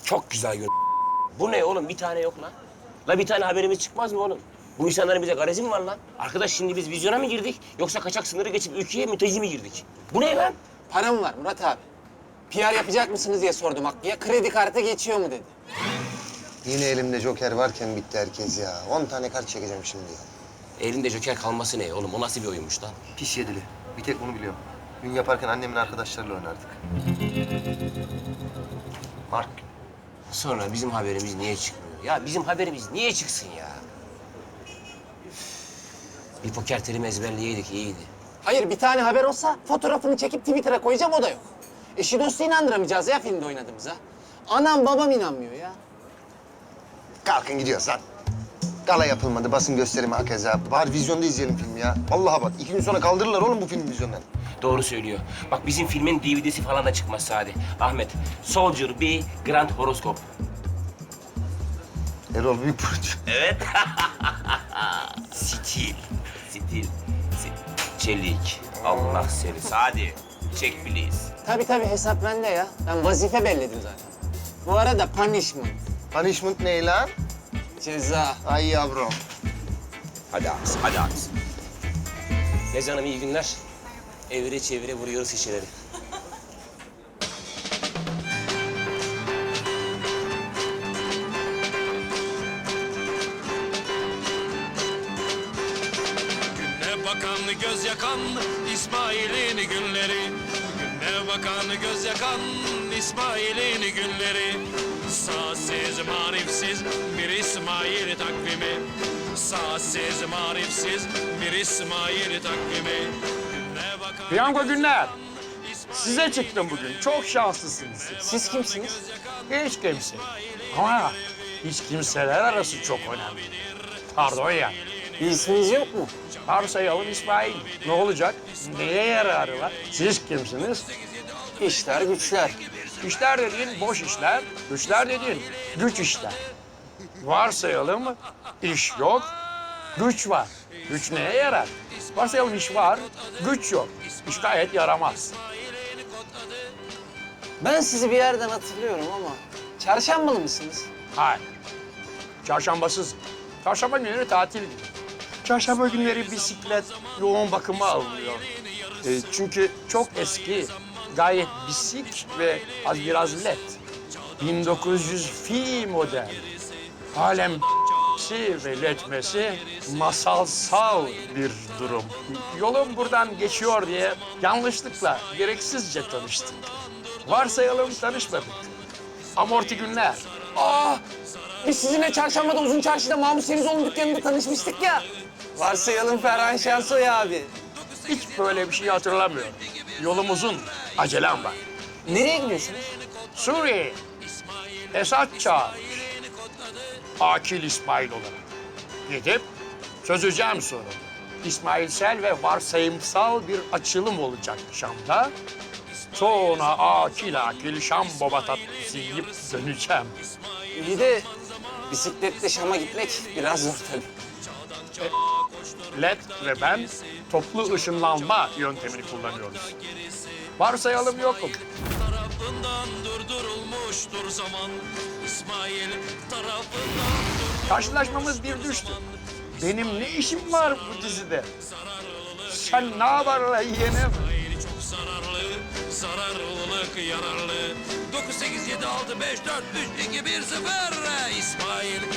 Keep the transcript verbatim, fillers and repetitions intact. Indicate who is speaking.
Speaker 1: Çok güzel gör. Bu ne oğlum? Bir tane yok lan. La bir tane haberimiz çıkmaz mı oğlum? Bu insanların bize garezi mi var lan? Arkadaş şimdi biz vizyona mı girdik? Yoksa kaçak sınırı geçip ülkeye mülteci mi girdik? Bu ne lan?
Speaker 2: Param var Murat abi. P R yapacak mısınız diye sordum Hakkı'ya. Kredi kartı geçiyor mu dedi.
Speaker 3: Yine elimde joker varken bitti herkes ya. On tane kart çekeceğim şimdi ya.
Speaker 1: Elinde joker kalması ne oğlum? O nasıl bir oyunmuş lan?
Speaker 3: Pis yedili. Bir tek bunu biliyorum. Gün yaparken annemin arkadaşlarıyla oynardık. Mark.
Speaker 1: Sonra bizim haberimiz niye çıkmıyor? Ya bizim haberimiz niye çıksın ya? Bir poker terimi ezberleyeydik iyiydi.
Speaker 2: Hayır bir tane haber olsa fotoğrafını çekip Twitter'a koyacağım o da yok. Eşi dostu inandıramayacağız ya filmde oynadığımıza. Anam babam inanmıyor ya.
Speaker 3: Kalkın gidiyoruz lan. Gala yapılmadı, basın gösterimi hakeza. Bari vizyonda izleyelim filmi ya. Vallahi bak, iki gün sonra kaldırırlar oğlum bu filmi vizyondan.
Speaker 1: Doğru söylüyor. Bak bizim filmin D V D'si falan da çıkmaz Sadi. Ahmet, Soldier B, Grand Horoskop.
Speaker 3: Erol Büyükburç.
Speaker 1: Evet. Stil. Stil. Stil. Çelik. Allah seni. Sadi. Çek please.
Speaker 2: Tabii tabii hesap bende ya. Ben vazife belledim zaten. Bu arada punishment,
Speaker 3: Punishment ne lan?
Speaker 2: ceza.
Speaker 3: Ay yavrum.
Speaker 1: Hadi abisi, hadi abisi. Nez Hanım iyi günler. Evire çevire vuruyoruz şişeleri.
Speaker 4: Güne bakan göz yakan İsmail'in günleri. Güne bakan göz yakan İsmail'in günleri. Sağsız marifsiz bir İsmail takvimi. Sağsız marifsiz bir İsmail takvimi. Güne bakan
Speaker 5: Piyango günler. Size çıktım bugün. Çok şanslısınız siz.
Speaker 2: Siz kimsiniz?
Speaker 5: Hiç kimse. Ama hiç kimseler arası çok önemli. Pardon ya.
Speaker 2: Bir isminiz yok mu?
Speaker 5: Varsayalım İsmail. Ne olacak? Neye yararı var? Siz kimsiniz?
Speaker 2: İşler güçler.
Speaker 5: İşler dediğin boş işler, güçler dediğin güç işler. Varsayalım iş yok, güç var. Güç neye yarar? Varsayalım iş var, güç yok. İş gayet yaramaz.
Speaker 2: Ben sizi bir yerden hatırlıyorum ama çarşambalı mısınız?
Speaker 5: Hayır. Çarşambasız. Çarşamba günleri tatil günü. Çarşamba günleri bisiklet yoğun bakıma alınıyor. E, çünkü çok eski, gayet bisik ve az biraz led. bin dokuz yüz fi model. Halen ve letmesi masalsal bir durum. Yolum buradan geçiyor diye yanlışlıkla, gereksizce tanıştık. Varsayalım tanışmadık. Amorti günler.
Speaker 2: Aa! Biz sizinle çarşambada uzun çarşıda Mahmut Semizoğlu'nun dükkanında tanışmıştık ya. Varsayalım Ferhan Şensoy abi.
Speaker 5: Hiç böyle bir şey hatırlamıyorum. Yolum uzun, acelem var.
Speaker 2: Nereye gidiyorsunuz?
Speaker 5: Suriye, Esad çağırmış. Akil İsmail olarak. Gidip çözeceğim sorunu. İsmailsel ve varsayımsal bir açılım olacak Şam'da. Sonra akil akil Şam baba tatlısı yiyip döneceğim.
Speaker 2: İyi de bisikletle Şam'a gitmek biraz zor tabii.
Speaker 5: Led ve ben toplu ışınlanma yöntemini kullanıyoruz. Varsayalım yokum.
Speaker 4: tarafından durdurulmuştur zaman. İsmail tarafından
Speaker 5: Karşılaşmamız bir düştü. Benim ne işim var bu dizide? Sen ne haber la yeğenim?
Speaker 4: İsmail çok zararlı, zararlılık yararlı. dokuz, sekiz, yedi, altı, beş, dört, üç, iki, bir, sıfır. İsmail